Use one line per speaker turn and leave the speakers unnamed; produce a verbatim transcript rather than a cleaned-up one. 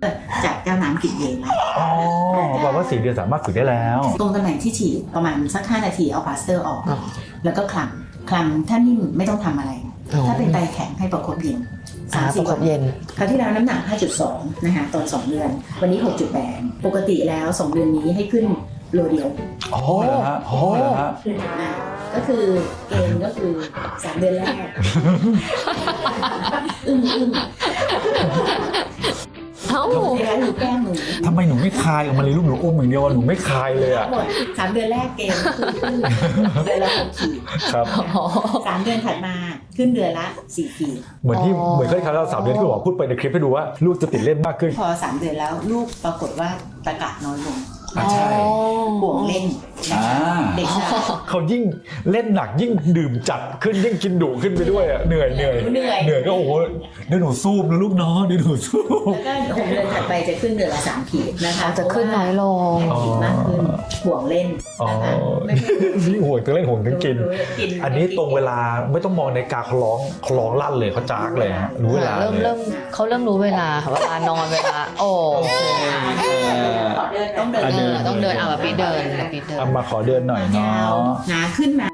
จากแก้วน้ำกินเองแล้ว
อ๋อแปลว่าสี่เดือนสามารถฝึกได้แล้ว
ตรงตำแหน่งที่ฉีดประมาณสักห้านาทีเอาพลาสเตอร์ออก แล้วก็คลำคลำถ้านิ่มไม่ต้องทำอะไร ถ้าเป็นไตแข็งให้ประคบเย็นสามสิบวันเย็นคราวที่แล้วน้ำหนัก ห้าจุดสอง นะคะตอนสองเดือนวันนี้ หกจุดแปด ปกติแล้วสองเดือนนี้ให้ขึ้นโลเดียว
อ๋อเหรอฮะอ๋อเหรอฮะ
อ่าก็คือเกณฑ์ก็คือสามเดือนแรกอึ้งอึ้ง
เอ้า
เวลาหนูแก้มหนู
ทำไมหนูไม่คายออกมาเลยลูกหนูอุ้มอย่างเดียวอะหนูไม่คายเลยอ่ะ
หมดสามเดือนแรกเกณฑ์คือขึ้นเดือนละหกขีด
ครับ
สามเดือนถัดมาขึ้นเดือนละสี่ขีด
เหมือนที่
อ๋อ
เหมือนเคยครั้งเราสามเดือนที่บอกพูดไปในคลิปให้ดูว่าลูกจะติดเล่นมากขึ้น
พอสามเดือนแล้วลูกปรากฏว่าตะกะน้อยลง
อ่ะใช่
ห่วงเล่นนะคะ
อ่า
เด็กชาย
เขายิ่งเล่นหนักยิ่งดื่มจัดขึ้นยิ่งกินดุขึ้นไปด้วยอ่ะเหนื่อยเหนื่อย
เหนื่อย
เหนื่อยก็โอ้โหเดี๋ยวหนูซูบนะลูกเนาะเดี๋ยวหนูซูบ
แล้วก็หกเดือนถัดไปจะขึ้นเดือนละสามขีดนะคะ
จะขึ้นน้อยลง
แรงขีดมากขึ้นห่วงเล่น
อ๋อ
นะคะไม่ไม่
นี่ห่วงทั้งเล่นห่วงทั้งกิน
รู้กิน
อันนี้ตรงเวลาไม่ต้องมองในาฬิกาเขาร้องเขาร้องลั่นเลยเขาจากเลยฮะรู้เวลา
เริ่ม
เลย
เริ่มเขาเริ่มรู้เวลาค่ะเวลานอนเวลา โอ้
ต้องเดิน
เออต้องเดินเอาแบบปีเดินแบบปีเดิน
เอามาขอเดินหน่อยเนาะ
หนาขึ้นมา